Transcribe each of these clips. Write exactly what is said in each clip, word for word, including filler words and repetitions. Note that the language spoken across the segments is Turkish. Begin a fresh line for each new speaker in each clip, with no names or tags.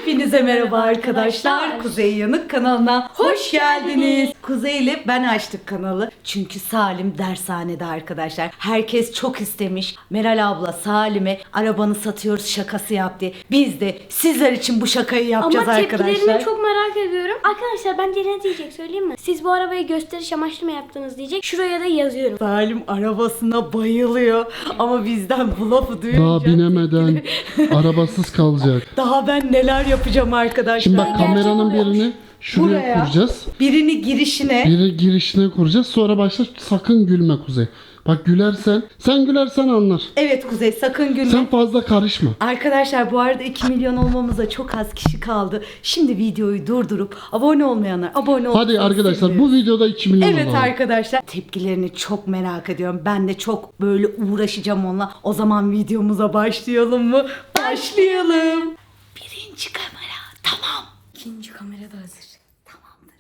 Hepinize merhaba arkadaşlar. Kuzey Yanık kanalına hoş geldiniz. Kuzey ile ben açtık kanalı. Çünkü Salim dershanede arkadaşlar. Herkes çok istemiş. Meral abla Salim'e arabanı satıyoruz şakası yaptı. Biz de sizler için bu şakayı yapacağız
Ama
arkadaşlar.
Ama tepkilerini çok merak ediyorum. Arkadaşlar bence ne diyecek söyleyeyim mi? Siz bu arabayı gösteriş amaçlı mı yaptınız diyecek. Şuraya da yazıyorum.
Salim arabasına bayılıyor. Ama bizden bu lafı duyunca...
Daha binemeden arabasız kalacak.
Daha ben neler yapacağım arkadaşlar.
Şimdi bak
Gerçek
kameranın
oluyormuş.
birini şuraya
Buraya.
kuracağız.
Birini girişine.
Biri girişine kuracağız. Sonra başla sakın gülme Kuzey. Bak gülersen, sen gülersen anlar.
Evet Kuzey sakın gülme.
Sen fazla karışma.
Arkadaşlar bu arada iki milyon olmamıza çok az kişi kaldı. Şimdi videoyu durdurup abone olmayanlar abone olsun.
Hadi arkadaşlar bu videoda iki milyon
Evet
olalım.
arkadaşlar tepkilerini çok merak ediyorum. Ben de çok böyle uğraşacağım onunla. O zaman videomuza başlayalım mı? Başlayalım. Birinci kamera tamam. İkinci kamera da hazır. Tamamdır.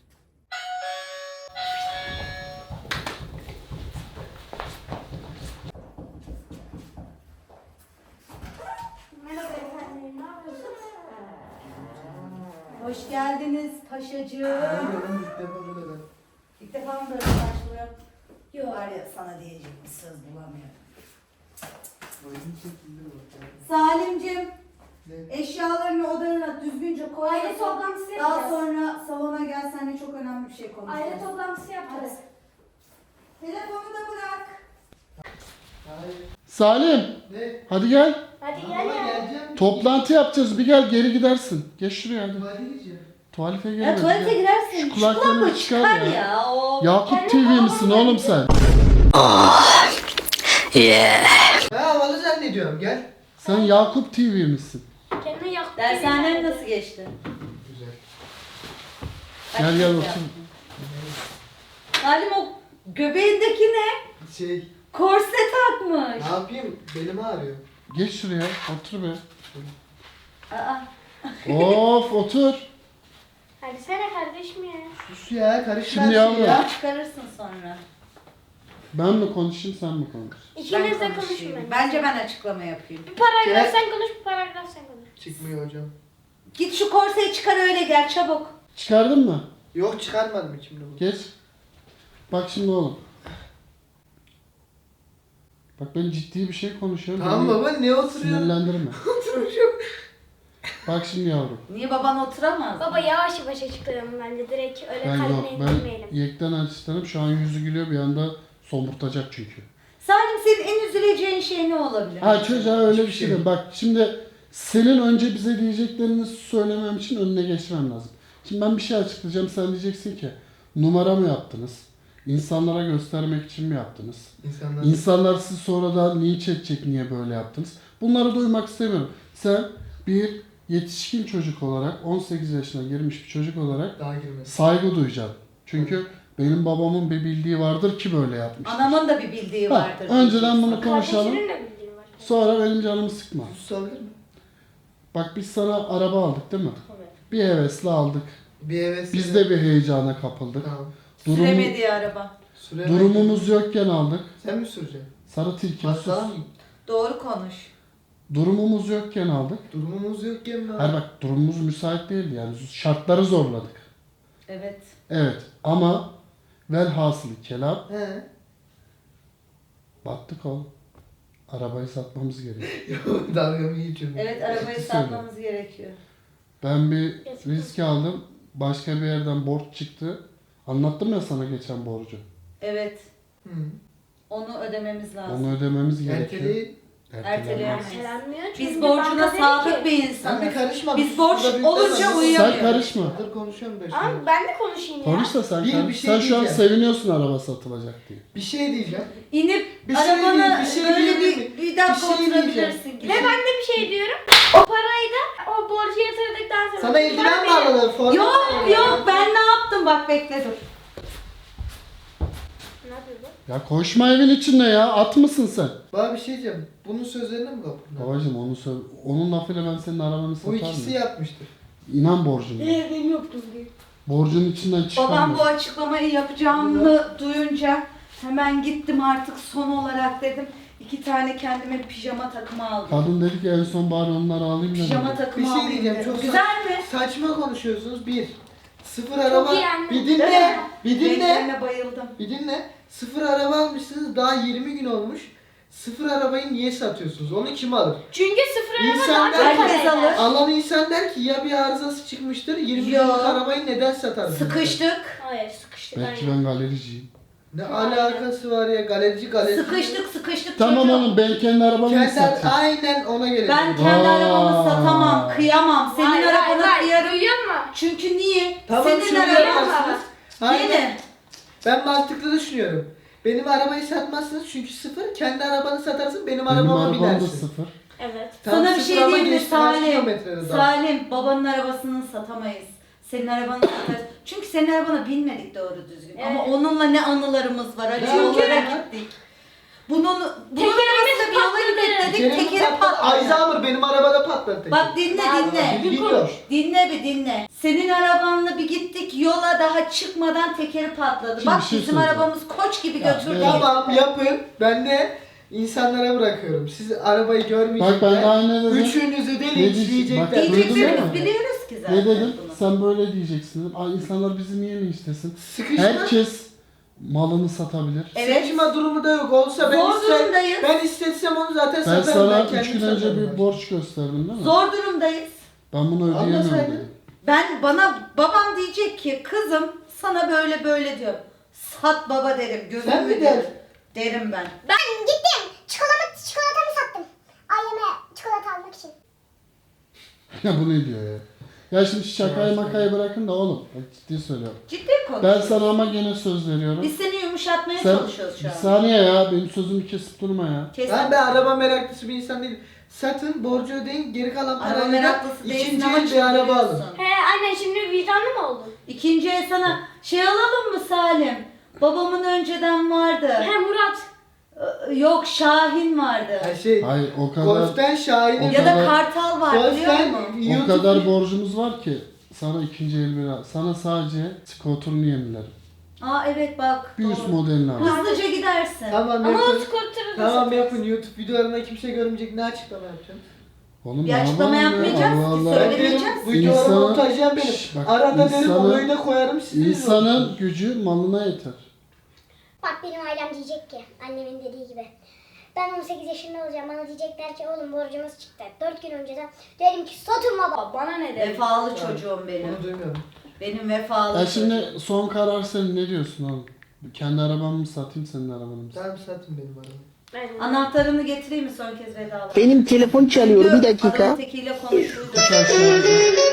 Hoş geldiniz paşacığım. İlk defa mı böyle başlıyorum? Yok. Var ya sana diyecek bir söz bulamıyorum. Salimcim, eşyalarını odana düzgünce koy.
Aile toplantısı
Daha
yapacağız.
sonra salona gel, seninle çok önemli bir şey konuşacağız.
Aile toplantısı yapacağız.
Telefonu da bırak.
Salim.
Ne?
Hadi gel.
Hadi gel
Ama
ya.
geleceğim.
Toplantı yapacağız. Bir gel geri gidersin. Geç şuraya hadi.
Tuvalete gideceğim.
Tuvalete
Ya
giremez.
tuvalete
gel.
girersin.
Şu kulaklarını
kulaklığı
çıkar
çıkar
ya.
ya. O...
Yakup T V misin oğlum sen?
Ha havalı zannediyorum gel.
Sen Yakup T V misin?
Kendine yak.
Dershanen nasıl geçti?
Güzel.
Gel gel otur.
Salim o göbeğindeki ne?
Şey
Korse takmış.
ne yapayım belim ağrıyor.
Geç şuraya. Otur be.
Aa.
Of otur.
Hadi sana kardeşim ya.
Sus ya karışma
Şimdi
her
yavrum.
şeyi ya.
Çıkarırsın sonra.
Ben mi konuşayım sen mi konuş?
İkiniz de
Ben
konuşun
konuşayım.
bence.
Bence ben açıklama yapayım.
Bir paragraf
Gel.
sen konuş, bir paragraf sen konuş.
Çıkmıyor hocam.
Git şu korseyi çıkar öyle gel çabuk.
Çıkardın mı?
Yok çıkarmadım içimde bu.
Geç. Bak şimdi oğlum. Bak ben ciddi bir şey konuşuyorum.
Tamam
Beni
baba ne oturuyorsun?
Sinirlendirme.
Oturmuşum.
Bak şimdi yavrum.
Niye baban oturamaz?
Baba yavaş yavaş açıklayalım bence. Direkt öyle
Ben yok.
kalbine
Ben
indirmeyelim.
yekten asistanım. Şu an yüzü gülüyor bir anda somurtacak çünkü.
Salim senin en üzüleceğin şey ne olabilir?
Ha çocuğa öyle bir
Hiçbir
şey
şey
değil. Bak şimdi senin önce bize diyeceklerini söylemem için önüne geçmem lazım. Şimdi ben bir şey açıklayacağım. Sen diyeceksin ki numara mı yaptınız? İnsanlara göstermek için mi yaptınız?
İnsanlar.
İnsanlar sizi sonradan linç edecek niye böyle yaptınız? Bunları duymak istemiyorum. Sen bir yetişkin çocuk olarak, on sekiz yaşına girmiş bir çocuk olarak
Daha girmez.
saygı duyacaksın. Çünkü benim babamın bir bildiği vardır ki böyle yapmış.
Anamın da bir bildiği
Ha,
vardır.
önceden bunu konuşalım.
Kardeşinin de bildiği var.
Sonra benim canımı sıkma.
Susabilir mi?
Bak biz sana araba aldık değil mi?
Evet.
Bir hevesle aldık.
Bir heves.
Biz de bir heyecana kapıldık.
Tamam.
Durum,
Süremediği araba.
Süremem.
durumumuz yokken aldık.
Sen mi süreceksin?
Sarı tilki. sus.
Bassana mı?
Doğru konuş.
Durumumuz yokken aldık.
Durumumuz yok ki mi?
Hayır bak durumumuz müsait değildi yani. Şartları zorladık.
Evet.
Evet ama velhasılı kelam
He.
battık oğlum. Arabayı satmamız gerekiyor.
Dalgamı geçiyorum.
Evet arabayı
Ciddi
satmamız gerekiyor.
Ben bir risk aldım. Başka bir yerden borç çıktı. Anlattım ya sana geçen borcu.
Evet.
Hı.
Onu ödememiz lazım.
Onu ödememiz gerekiyor.
Erteleyin.
Erteleyemeyiz.
Ertelenmiyor çünkü
Biz borcuna
banka dedi
sadık
ki-
bir
Sen bir
insanız.
karışma.
Biz borç
Burada bir
olunca
tane-
uyuyamıyoruz.
Sen karışma.
Dur konuşuyorum ben
Ama
şimdi.
ben de konuşayım ya.
Konuş da sen.
Bir-
sen
bir şey
sen şu an
diyeceğim.
seviniyorsun araba satılacak diye.
Bir şey diyeceğim.
İnip
Bir şey
arabanı
değil, bir şey
böyle
diyebilir
bir,
miyim?
bir dakika
Bir şey
oturabilirsin.
diyeceğim.
gibi.
Ve ben de bir şey diyorum. O parayı da o borcu yatırdıktan sonra.
Sana eldiven mi
Ben-
alırlar? Forma
Yok
mı alırlar?
yok ben ne yaptım bak bekle dur.
Ne yapıyorsun?
Ya koşma evin içinde ya. At mısın sen?
Bana bir şey diyeceğim. Bunun sözlerine mi kapatın?
Babacım onu söyle. Onun lafıyla ben senin arabanı
Bu
satar
ikisi
mıyım?
yapmıştır.
İnan borcuna.
Ne ben yoktum diye.
Borcun içinden çıkamıyor.
Babam bu açıklamayı yapacağımı duyunca hemen gittim artık son olarak dedim. İki tane kendime pijama takımı aldım.
Kadın dedi ki en son bari onları alayım da.
Pijama
dedi.
takımı
Bir şey
alayım
diyeceğim,
dedim.
çok
Güzel mi?
saçma konuşuyorsunuz. Bir. Sıfır araba.
iyi anne.
Bir dinle. Bir dinle.
Renklerine bayıldım.
Bir dinle. Sıfır araba almışsınız. Daha yirmi gün olmuş. Sıfır arabayı niye satıyorsunuz? Onu kim alır?
Çünkü sıfır araba
İnsan
daha
der
çok
herkes
para eder.
alır.
Alan insan der ki ya bir arızası çıkmıştır. yirmi
Yo.
günlük arabayı neden satarsınız?
Sıkıştık.
Hayır sıkıştık.
Belki
aynen.
ben galericiyim.
Ne alakası var ya galerici galerici.
Sıkıştık sıkıştık
Tamam
çocuğum.
oğlum ben kendi arabamı mı
Kendi
satayım?
aynen ona gelecek.
Ben kendi
Aa.
arabamı satamam, kıyamam. Senin
Hayır, hayır,
arabana
hayır.
kıyarım.
Duyuyor musun?
Çünkü niye?
Tamam
Senin
şöyle
araban
yaparsınız. Aynen.
Yine.
Ben mantıklı düşünüyorum. Benim arabayı satmazsınız çünkü sıfır. Kendi arabanı satarsın benim
Benim
arabama
arabam da
binersin.
sıfır.
Evet.
Tam
Sana bir
sıfır
şey
ama
diyeyim mi
geçti, kaç
Salim?
kilometrede daha?
Salim, babanın arabasını satamayız. Senin arabanı satarız. Çünkü senin arabana binmedik doğru düzgün.
Evet.
Ama onunla ne anılarımız var. Acı
Ne
yollara
anılar?
gittik. Bunun, bunun
Tekerimiz
arabasıyla bir yola
patladı.
gittik dedik. Tekeri patladı.
Alzheimer benim arabada patladı tekeri.
Bak dinle dinle.
Biliyor.
Dinle bir dinle. Senin arabanla bir gittik yola daha çıkmadan tekeri patladı.
Şimdi
Bak
bir şey
bizim
söyleyeceğim.
arabamız koç gibi
Ya,
götürdü.
evet.
Tamam yapın. Ben de insanlara bırakıyorum. Siz arabayı
Bak
görmeyecekler.
ben de aynı dedim.
Üçünüzü de
Ne diyecek-
linçleyecekler.
bak, duydun
Diyeceklerimiz
mu?
biliyoruz ki zaten
Ne dedim?
bunu.
Sen böyle diyeceksin dedim. Ay, insanlar bizi niye mi istesin?
Sıkışma.
Herkes malını satabilir.
Evet.
Sıkışma durumu da yok. Olsa ben
Zor
ister,
durumdayız.
ben istetsem onu zaten
Ben
satarım.
sana
ben
üç
kendim
gün önce
satarım.
bir borç gösterdim değil mi?
Zor durumdayız.
Ben bunu ödeyemiyorum
Anlasaydın.
dedim.
Ben bana babam diyecek ki kızım sana böyle böyle diyor. Sat baba derim. Gözümü
Sen mi
derim.
der?
Derim ben.
Ben gittim. Çikolata, çikolatamı sattım. Aileme çikolata almak için.
Ya bu ne diyor ya? Ya şimdi şakayı makayı bırakın da oğlum. Bak ciddi söylüyorum.
Ciddi
Ben
konuşuyoruz.
sana ama gene söz veriyorum.
Biz seni yumuşatmaya
Sen
çalışıyoruz şu
bir
an.
saniye ya benim sözümü kesip durma ya.
Kesin.
Ben de araba meraklısı bir insan değilim. Satın, borcu ödeyin, geri kalan
Araba
parayla
meraklısı
da
değilsin
ikinci
ama
el bir araba alın.
çıldırıyorsun.
He anne şimdi vicdanlı mı oldun?
İkinci el sana şey alalım mı Salim? Babamın önceden vardı.
He Murat.
Ee, Yok Şahin vardı.
Her şey,
Hayır o kadar
Golf'ten Şahin'e
O
Ya da
kadar-
Kartal var biliyor
Golf'ten
musun?
o
YouTube...
kadar borcumuz var ki sana ikinci el bir al- sana sadece skoturunu yenilerim.
Aa evet bak.
Bir üst
doğru.
modelini al.
Hızlıca gidersin.
Tamam
Ama o
yapın.
skuterı da
Tamam
satarız.
yapın. YouTube videolarında kimse görmeyecek. Ne açıklama yapacağım?
Oğlum
Bir
ne
açıklama
yapalım ya?
yapmayacağız ki,
Allah Allah.
söyle-
Ben derim
Söylemeyeceğiz.
bu videoları
İnsanın-
montajlayan benim.
Şş, bak,
Arada derim
insanın-
olayı da koyarım siz de
İnsanın gücü malına yeter.
Bak benim ailem diyecek ki annemin dediği gibi. Ben on sekiz yaşında olacağım. Bana diyecekler ki oğlum borcumuz çıktı. dört gün önceden derim ki satın baba.
Bana ne dedi?
Vefalı çocuğum benim.
Bunu duymuyorum.
Benim vefalı
Ya
çocuğum.
şimdi son karar senin ne diyorsun oğlum? Kendi arabamı mı satayım senin arabanı mı satayım?
Tamam satın benim arabamı.
Aynen.
Anahtarını getireyim mi son kez vedalaşalım?
Benim telefon çalıyor bir dakika.
Adamın tekiyle konuştuyduk.
Üç aşağı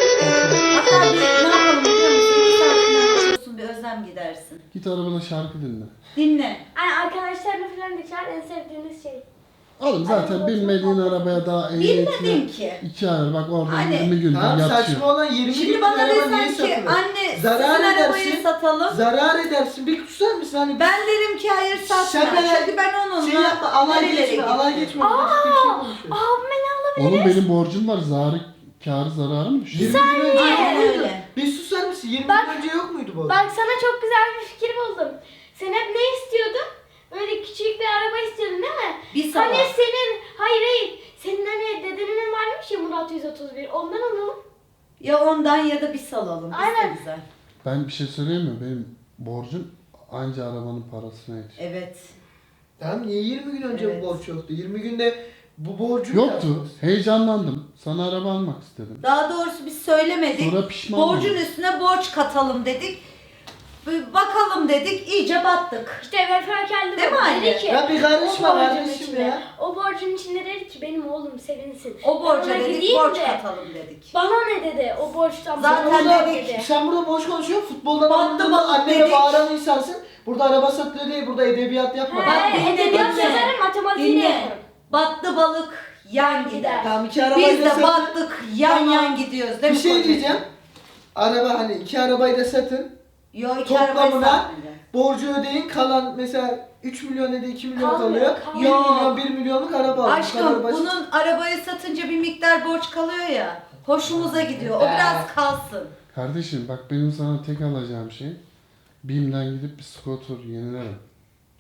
Hatta bir ne yapalım biliyor musun? Bir saatini konuşursun bir özlem gidersin.
Git arabada şarkı dinle.
Dinle.
Hani arkadaşlarını falan da çağır en sevdiğiniz şey.
Oğlum zaten binmediğin arabaya daha ehliyetine
Bilmedin ki.
iki ay bak orada
Hani-
yirmi gündür
Tamam
yatıyor.
saçma olan yirmi
Şimdi
günlük
bana
araba niye
desen ki
satılır?
anne
Zarar
sizin arabayı
edersin.
satalım.
Zarar edersin. Bir tutar mısın? Hani
Ben derim ki hayır satma.
Şaka-
Çünkü ben onunla
şey yapma, alay
nerelere
geçme, alay
gittim.
geçme. Başka bir şey konuşuyoruz.
Abime ne alabilir?
Oğlum benim borcum var. Zarı, kârı zararı mı düşüyor?
yirmi gün önce
Aynen
yok muydu?
öyle.
Bir susar mısın? yirmi
Bak-
gün önce yok muydu bu?
Bak sana çok güzel bir fikir buldum. Sen hep ne istiyordun? Böyle küçük bir araba istiyordun değil mi?
Bir sabah.
Hani senin, hayır hayır. Senin hani dedenin varmış ya Murat yüz otuz bir. Ondan alalım.
Ya ondan ya da bir salalım. Biz de
Aynen.
güzel.
Ben bir şey söyleyeyim mi? Benim borcum anca arabanın parasına yetiyor.
Evet.
Tamam niye yirmi gün önce
Evet.
bu borç yoktu? yirmi günde bu borcu
Yoktu. Heyecanlandım. Sana araba almak istedim.
Daha doğrusu biz söylemedik.
Sonra pişman
Borcun
oldum.
üstüne borç katalım dedik. Bir bakalım dedik. İyice battık.
İşte vefakarlı
Değil mi
baba
anne?
dedi ki.
Ya bir karışma
o borcun
kardeşim
içinde,
ya.
O borcun içinde dedi ki benim oğlum sevinsin.
O borca
Ben ona
dedik
gideyim
borç
de,
katalım dedik.
Bana ne dedi o borçtan?
Zaten
bana
dedik.
dedi.
Sen burada boş konuşuyorsun. Futboldan
Battı
anladığında
balık
annene
dedik.
bağıran insansın. Burada araba satılıyor değil, burada edebiyat yapma.
Bak,
He,
dinle,
edebiyat
dinle.
yazarım, matematiğini
Dinle.
yaparım.
Battı balık yan gider.
Tamam iki arabayı
Biz
da
de
satın.
battık yan
Tamam.
yan gidiyoruz değil
Bir
mi
şey
kocacığım?
diyeceğim. Araba hani iki arabayı da satın.
Yo iki arabayı
Toplamına
satmayacağım.
borcu ödeyin. Kalan mesela üç milyon ya da iki milyon
Kalmıyor,
kalıyor.
kalmıyor.
bir milyon bir milyonluk araba alın. Bu kadar
Aşkım
basit.
bunun arabayı satınca bir miktar borç kalıyor ya. Hoşumuza gidiyor. O
Be.
biraz kalsın.
Kardeşim bak benim sana tek alacağım şey BİM'den gidip bir scooter yenilerim.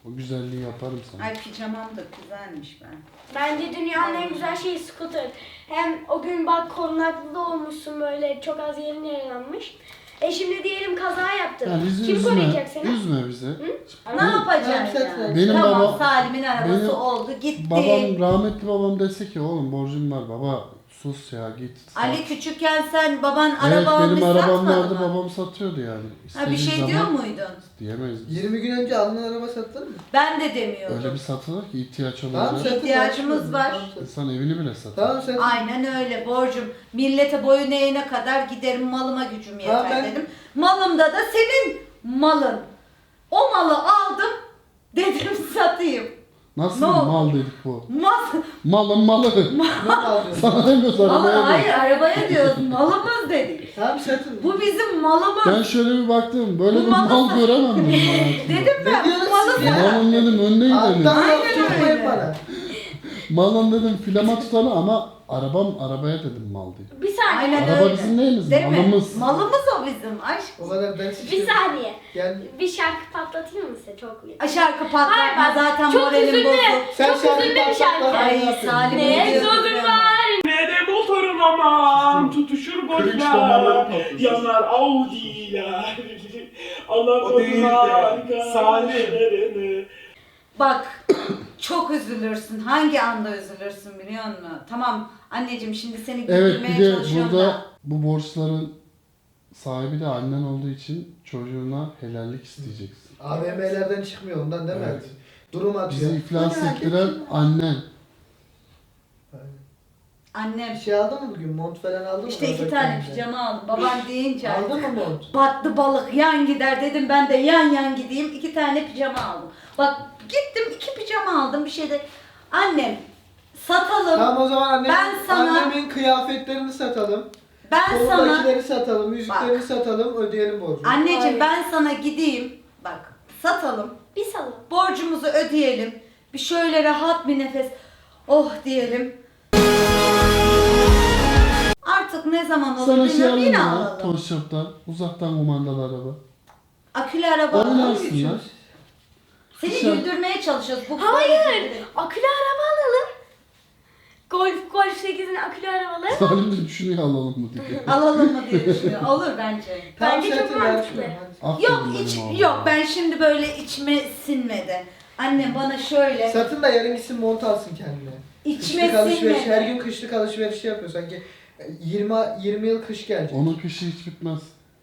O güzelliği yaparım sana.
Ay pijamam da güzelmiş ben.
Bence dünyanın en güzel şeyi scooter. Hem o gün bak korunaklı da olmuşsun böyle çok az yerin yaralanmış. E şimdi diyelim kaza yaptın.
Ya bizi
Kim
üzme,
koruyacak seni?
üzme bizi.
Ne yapacaksın
Tamam,
ya?
Benim
tamam
baba-
Salim'in arabası
benim
oldu gitti.
Babam, rahmetli babam dese ki oğlum borcum var baba sus ya git. sat."
Ali küçükken sen baban
Evet
araba almış
benim arabam
satmadı
vardı
mı?
babam satıyordu yani.
Ha bir
İstediği
şey diyor
zaman
muydun?
Diyemeyiz. biz.
yirmi gün önce alınan araba satılır mı?
Ben de demiyordum.
Öyle bir satılır ki ihtiyaç
Tamam
olunca
satın.
İhtiyacımız var.
Tamam, satın.
insan evini bile satar.
Tamam satın.
Aynen öyle borcum. Millete boyun eğene kadar giderim malıma gücüm yeter
Tamam, ben-
dedim. Malımda da senin malın. O malı aldım dedim satayım.
Nasıl
Ne
bir
oldu?
mal dedik bu?
Mal,
Malın malı.
Ne alıyorsun?
Sana demiyoruz
mal
arabaya
hayır
diyor.
arabaya diyoruz malımız dedik.
Tamam satın.
Bu bizim malımız.
Ben şöyle bir baktım böyle
Bu
bir
malı-
mal göremem ben hayatımda.
Dedim ben
Ne diyorsun
bu malı
siz ya?
Malın dedim önüne gidelim.
Alttan
Aynen
yok çok
öyle.
bana.
Malın dedim filama tutanı ama arabam arabaya dedim mal diye.
Bir saniye.
Aynen
Araba
öyle.
bizim neyimiz?
Değil mi?
Malımız.
Malımız o bizim aşk.
O kadar ben
Bir saniye.
Gel.
Bir şarkı patlatayım mı size çok iyi?
Şarkı patlatma
Hayır, bak,
zaten
çok
moralim
üzüldü.
bozuk.
Sen
Çok
şarkı
üzüldü bir
patlat,
şarkı.
ben
Ay
yapayım.
Salim
Ne
ne diyorsun
sözüm
ben?
var.
Ne de motorum aman tutuşur
Kırık damarları
boşlar
patlasın.
yanar Audi'ler Allah
O değil de,
koduna
Salim.
arkadaşlarını.
Bak çok üzülürsün. Hangi anda üzülürsün biliyor musun? Tamam anneciğim şimdi seni
Evet
güldürmeye
bir de
çalışıyorum
burada
da.
bu borçların sahibi de annen olduğu için çocuğuna helallik isteyeceksin.
A V M'lerden çıkmıyor ondan değil mi?
Evet.
Durum atıyor.
Bizi iflas ettiren annen.
Annem
Bir şey aldın mı bugün? Mont falan aldın mı?
işte iki
Orada
tane
kendine?
pijama aldım. Baban deyince
Aldın
artık
mı mont?
battı balık yan gider dedim ben de yan yan gideyim. İki tane pijama aldım. Bak gittim iki pijama aldım bir şey de. Annem satalım.
Tamam o zaman annem,
Ben sana-
annemin kıyafetlerini satalım.
Ben sana
Kolundakileri satalım, yüzüklerini
Bak.
satalım, ödeyelim borcunu.
anneciğim
Hayır.
ben sana gideyim. Bak satalım.
Bir salon.
Borcumuzu ödeyelim. Bir şöyle rahat bir nefes. Oh diyelim. Artık ne zaman olur
Sana şey
bilmiyorum
alayım
yine
ya
alalım.
Toy Shop'tan. Uzaktan kumandalı araba.
Akülü araba alalım.
Oynarsın lan.
Seni
Sen-
güldürmeye çalışıyoruz. Bu
Hayır. Akülü araba alalım. Golf Golf sekizin akülü arabaları.
Salim de düşünüyor alalım mı diye.
Alalım mı diye düşünüyorum. Olur bence.
Tamam,
Bence çok
satın,
mantıklı.
yarışma, hadi.
Aferin
Yok
benim
hiç
oğluma.
yok ben şimdi böyle içime sinmedi. Annem bana şöyle
Satın da yarın gitsin mont alsın kendine.
içime
Kışlık alışveriş, her
sinmedi.
gün kışlık alışveriş yapıyor sanki. yirmi yirmi yıl kış gelecek.
Onun kışı hiç bitmez.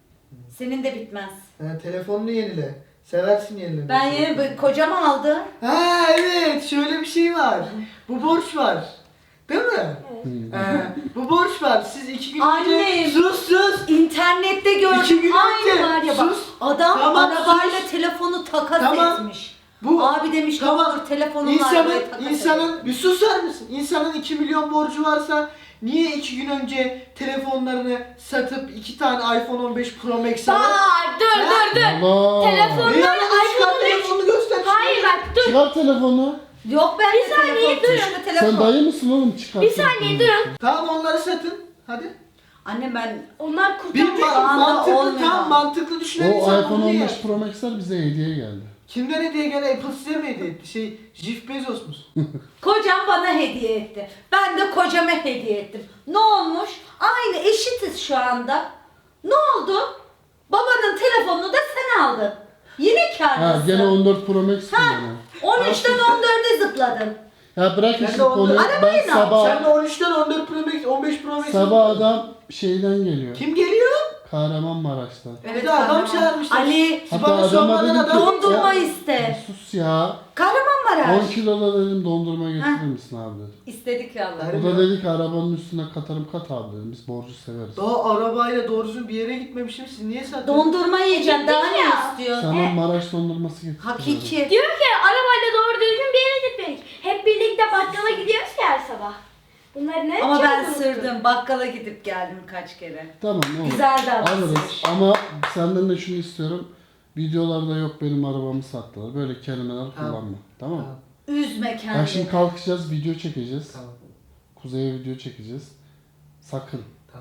Senin de bitmez.
Ha, telefonunu yenile. Seversin yenilemeyi.
Ben yeni bir- kocam aldı.
Ha evet, şöyle bir şey var. Bu borç var. Değil mi?
Hmm.
Ha, bu borç var. Siz iki gün
Annem.
önce... Sus sus!
İnternette
İki
gördüm.
gün
Aynı
önce.
var ya bak.
Sus.
Adam
Tamam,
arabayla
sus.
telefonu takas
Tamam.
etmiş.
Bu
Abi demiş ne
tamam.
olur telefonunla
İnsanın,
arabaya takas et.
insanın, bir susar mısın? İnsanın iki milyon borcu varsa niye iki gün önce telefonlarını satıp iki tane iPhone on beş Pro Max alıp...
Bak dur dur dur.
Allah.
Telefon-
Ne yani? Çıkar
iPhone on beş.
telefonunu göster.
Hayır bak dur.
Çıkar telefonu.
Yok ben
Bir
de
saniye,
telefon.
durun.
Şu telefon.
Sen dayı mısın oğlum çıkar
Bir
telefonu.
saniye durun.
Tamam onları satın. Hadi.
Anne ben
Onlar
Bir
kurtaracak.
Şu
ma-
anda
mantıklı
olmuyor.
tam mantıklı düşünen
O
insan
iPhone
bunu
on
yer.
beş Pro Max'ler bize hediye geldi.
Kimden hediye gene Apple size mi hediye etti? Şey Jeff Bezos musun?
kocam bana hediye etti. Ben de kocama hediye ettim. Ne olmuş? Aynı eşitiz şu anda. Ne oldu? Babanın telefonunu da sen aldın. Yine
Ha
kârdasın.
gene on dört Pro Max kullanıyor.
on üçten on dörde zıpladın.
Ya bırak
Ben
işte
de on dört-
konuyu.
Arabayı
Ben
ne yap-
sabah,
Sen de on üçten on dört Pro Max, on beş Pro Max.
sabah adam şeyden geliyor.
Kim geliyor?
Kahramanmaraş'tan.
Bir de adam
kahraman.
çağırmışlar.
Ali
Siz
Hatta
bana
adama
sormadan
dedim ki-
adam...
dondurma
Ya-
iste.
Sus ya.
Kahramanmaraş.
on kiloda dedim dondurma getirir misin abi dedi.
İstedik ya Allah.
Hayır.
O da dedi ki arabanın üstüne katarım kat abi dedim. Biz borcu severiz.
Daha arabayla doğru düzgün bir yere gitmemişim. Siz niye satıyorsunuz?
Dondurma yiyeceksin daha ne
ya.
istiyorsun?
Sana Maraş dondurması getirdim.
Hakiki.
Diyor ki arabayla doğru düzgün bir yere gitmedik. Hep birlikte bakkala gidiyoruz ya her sabah. Bunları ne
Ama ben
yapacağız unuttum.
sırdım. Bakkala gidip geldim kaç kere.
Tamam olur.
Güzel
Alırız.
davranış.
Ama senden de şunu istiyorum. Videolarda yok benim arabamı sattılar. Böyle kelimeler
Tamam.
kullanma. Tamam mı?
Tamam.
Üzme
Bak
kendini.
şimdi kalkacağız, video çekeceğiz.
Tamam.
Kuzey'e video çekeceğiz. Sakın.
Tamam.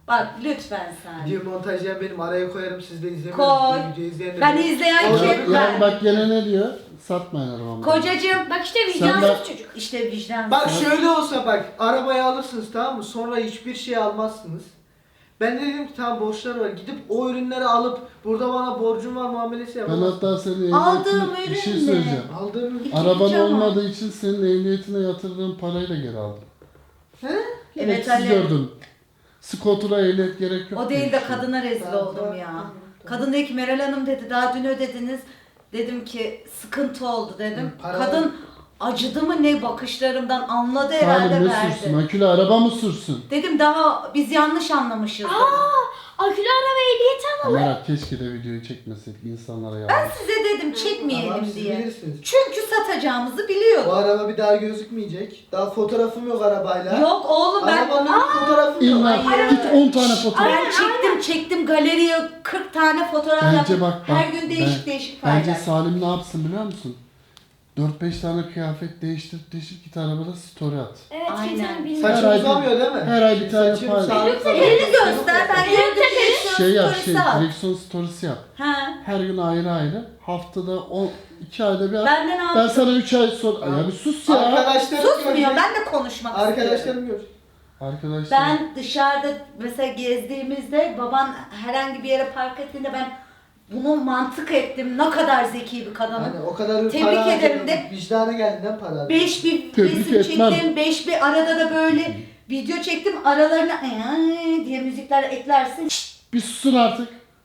Bak lütfen Salim.
Video montajlayan benim, araya koyarım, siz de izlemeyin.
Koy.
Video izleyen de
Ben
benim.
izleyen
Orada
kim?
bir-
Ya
Ben.
bak gene ne diyor? Satmayın arabamı.
Kocacığım.
Bak işte
Sen
vicdansız
de-
çocuk.
İşte vicdan.
Bak şöyle olsa bak, arabayı alırsınız tamam mı? Sonra hiçbir şey almazsınız. Ben de dedim ki tamam borçlar var. Gidip o ürünleri alıp burada bana borcum var muamelesi
Ben
yapamazsın.
hatta senin
Aldığım
ehliyetine bir şey
ürün ne?
söyleyeceğim.
Aldığım ürün.
Araban
Cama.
olmadığı için senin ehliyetine yatırdığın parayı da geri aldım.
He?
Evet,
siz
Ali.
gördüm. Skotura ehliyet gerek yok.
O değil de
demiştim.
kadına rezil
Tamam,
oldum
tamam,
ya.
tamam,
Kadın dedi ki Meral Hanım dedi daha dün ödediniz. Dedim ki sıkıntı oldu dedim.
Hı, para-
Kadın acıdı mı ne bakışlarımdan anladı herhalde
Salim ne
verdi.
sürsün? Akülü araba mı sürsün?
Dedim daha biz yanlış anlamışız. dedim.
Akülü araba ehliyeti alalım.
Merak keşke de videoyu çekmeseydik insanlara ya.
Ben size dedim çekmeyelim
Tamam, siz
diye.
bilirsiniz.
Çünkü satacağımızı
Bu
biliyordum.
araba bir daha gözükmeyecek. Daha fotoğrafım yok arabayla.
Yok oğlum ben
Arabanın bir fotoğrafım yok.
İlla
Hayır.
git on tane fotoğraf.
ben çektim çektim galeriye kırk tane fotoğraf
Bence
yaptım.
bak bak.
Her gün değişik
ben-
değişik
Bence
paylaştım.
Salim ne yapsın biliyor musun? dört beş tane kıyafet değiştir değiştir git arabada story at.
Evet
Aynen.
kimsenin bilmediği.
Her
Saçım
ay-
uzamıyor değil mi?
her ay bir tane
Saçım
paylaş.
sağlık sağlık.
Elini göster ben gördüm direksiyon
Şey yap şey
storiesi at.
direksiyon storiesi yap.
Ha.
Her gün ayrı ayrı. Haftada on iki ayda bir at.
Benden
Ben
aldım.
sana üç ay sonra... Ya bir sus ya.
Arkadaşlarım
Susmuyor
görecek.
ben de konuşmak istiyorum.
Arkadaşlarım gör.
Arkadaşlar.
Ben dışarıda mesela gezdiğimizde baban herhangi bir yere park ettiğinde ben bunu mantık ettim. Ne kadar zeki bir kadınım.
Hani o kadar bir
Tebrik
para
ederim
harcadım.
de.
Vicdanı geldiğinden para harcadım.
Beş bir
Tebrik
resim
etmem.
çektim, beş bir arada da böyle video çektim. Aralarına "Ay" diye müzikler eklersin. Şşt,
Bir susun artık.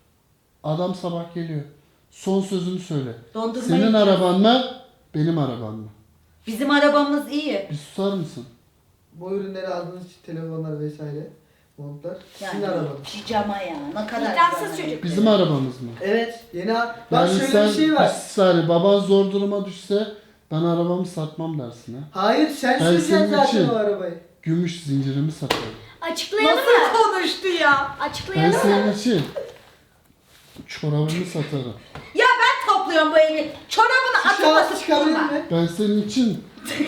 Adam sabah geliyor. Son sözünü söyle.
dondurma
Senin
yiyeceğiz.
araban mı? Benim arabam mı?
Bizim arabamız iyi.
Bir susar mısın?
Bu ürünleri aldığınız için telefonlar vesaire, montlar. Sizin
Yani
arabanız.
pijama ya. Ne kadar
Vicdansız
güzel.
çocuk.
Bizim arabamız mı?
Evet. Yeni a- Bak
Yani
şöyle
sen
bir şey var.
bir saniye baban zor duruma düşse ben arabamı satmam dersin ha.
Hayır sen
Ben
süreceksin
senin
zaten
için-
o arabayı.
Gümüş zincirimi satarım.
Açıklayalım mı?
Nasıl konuştu ya?
Ben
Açıklayalım mı?
senin için çorabımı satarım.
Ya ben topluyorum bu evi. Çorabını atıp
Şahsı
atıp
çıkabilir
durma.
mi?
Ben senin için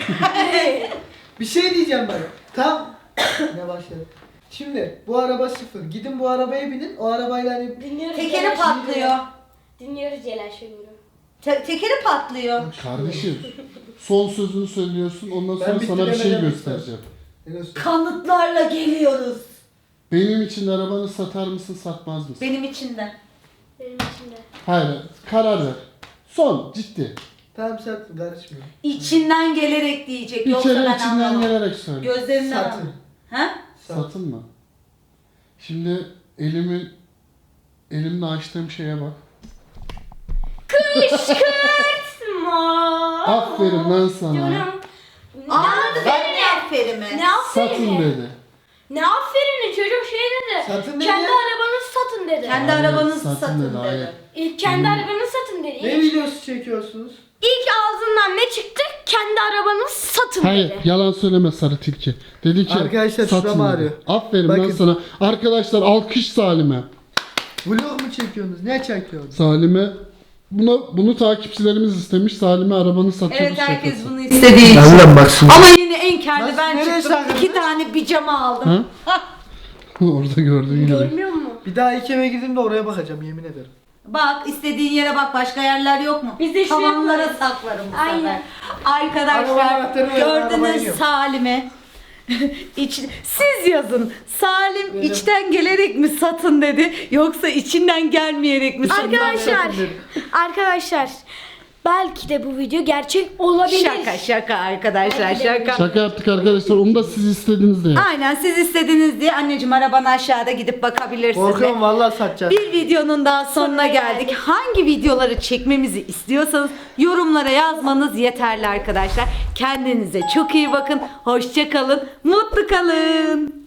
Bir şey diyeceğim bak. Tam ne başladı. Şimdi bu araba sıfır. Gidin bu arabaya binin. O arabayla hani
Dinliyoruz.
Tekeri
Celal
patlıyor.
Şengör'ü. Dinliyoruz Celal Şengör'ü.
Te- tekeri patlıyor.
kardeşim son sözünü söylüyorsun ondan
Ben
sonra sana bir şey
bitiremeden
göstereceğim.
ne göster-
Kanıtlarla geliyoruz.
Benim için arabanı satar mısın satmaz mısın?
Benim için de.
Benim için de.
Hayır karar ver. Son ciddi.
Tamam sattım karışmıyorum.
İçinden gelerek diyecek.
Bir
Yoksa
kere
ben
içinden
anlamam.
gelerek söyle.
Gözlerimden
Satın.
anlamam. Ha?
Sat.
Satın mı? Şimdi elimin elimde açtığım şeye bak.
Kışkırtma.
Aferin lan sana.
Canım.
Anladı benim aferimi.
Ne
Satın
aferin?
dedi.
Ne aferin çocuk şey dedi.
Satın dedi
Kendi
ya.
arabanızı satın dedi.
Kendi
Hayır,
arabanızı
satın
satın,
dedi, hayır.
dedi.
İlk kendi arabanızı satın dedi.
Ne
İlk,
videosu çekiyorsunuz?
ilk ağzından ne çıktı? Kendi arabanızı satın
Hayır
dedi.
yalan söyleme sarı tilki. Dedi ki
Arkadaşlar
satın
şuram
dedi.
ağrıyor.
Aferin lan
Bakın.
sana. Arkadaşlar alkış Salim'e.
Vlog mu çekiyorsunuz? Ne çekiyorsunuz?
Salim'e Buna, bunu takipçilerimiz istemiş. Salim'e arabanı satıyoruz.
Evet herkes
şakası.
bunu istediği için.
Ulan bak şimdi.
Ama yine en karlı
Nasıl,
ben
nereye
çıktım.
sakladın?
İki tane pijama aldım.
Ha? Orada gördüğün gibi.
Görmüyor musun?
Bir daha ilk eve girdiğimde oraya bakacağım yemin ederim.
Bak istediğin yere bak başka yerler yok mu?
Biz de şuraya
Tavanlara
koyarız.
saklarım bu
Aynen.
sefer.
Araba
Arkadaşlar
anahtarı ver, arabaya
gördünüz
iniyorum.
Salim'e. İç, siz yazın. Salim
Benim-
içten gelerek mi satın dedi yoksa içinden gelmeyerek mi satın dedi?
Arkadaşlar, arkadaşlar belki de bu video gerçek olabilir.
Şaka şaka arkadaşlar
Belki de
şaka.
Şaka yaptık arkadaşlar. Onu da siz istediniz diye.
Aynen siz istediniz diye anneciğim arabanı aşağıda gidip bakabilirsiniz.
Korkuyorum vallahi satacağım.
Bir videonun daha sonuna
Sonuna
geldik.
geldik.
Hangi videoları çekmemizi istiyorsanız yorumlara yazmanız yeterli arkadaşlar. Kendinize çok iyi bakın. Hoşça kalın. Mutlu kalın.